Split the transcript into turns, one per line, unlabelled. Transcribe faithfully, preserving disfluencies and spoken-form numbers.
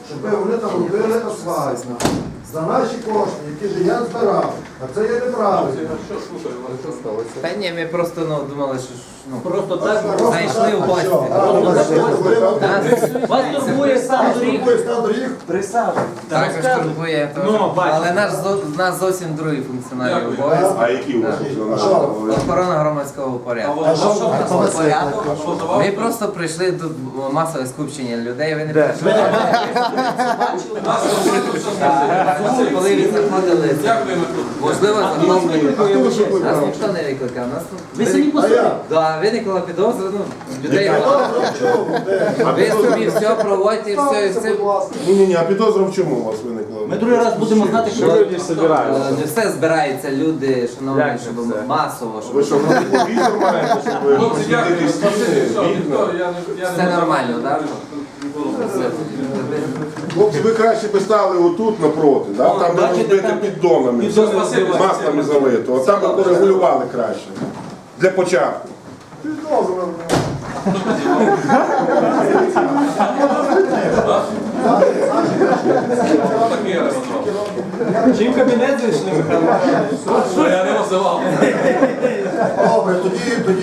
щоб вони там робили асфальт за наші кошти, які ж я збирав. А це є неправильно.
Та ні, ми просто ну, думали, що ж, ну,
Просто так
зайшли в гості.
вас турбує стан доріг.
Також турбує, то-
Ну, бачите.
але наш, зо- нас зовсім другий функціональний обов'язок.
А які у вас функціональні?
Охорона громадського порядку. Ми просто прийшли до масове скупчення людей, ви не прийшли. Коли ви заходили, можливо, заходили. Нас ніхто не викликав. Нас тут
Ви самі по собі.
Да, виникла підозра, ну, людей багато. Ви собі все проводьте, все, і все.
Ні-ні-ні, а підозра в чому у вас виникла?
Ми другий раз будемо знати, що
Е, Не все збираються люди, шановні, щоб масово,
Ви
щоб
що, телевізор маєте, щоб ви посвітити стіни, вікна?
все нормально, так?
Хлопці, ви краще би стали отут напроти, да? Там де розбити піддонами, маслами залито. От там би порегулювали краще. Для початку.
чим кабінет зайшли, Михайло?
Добре, тоді, тоді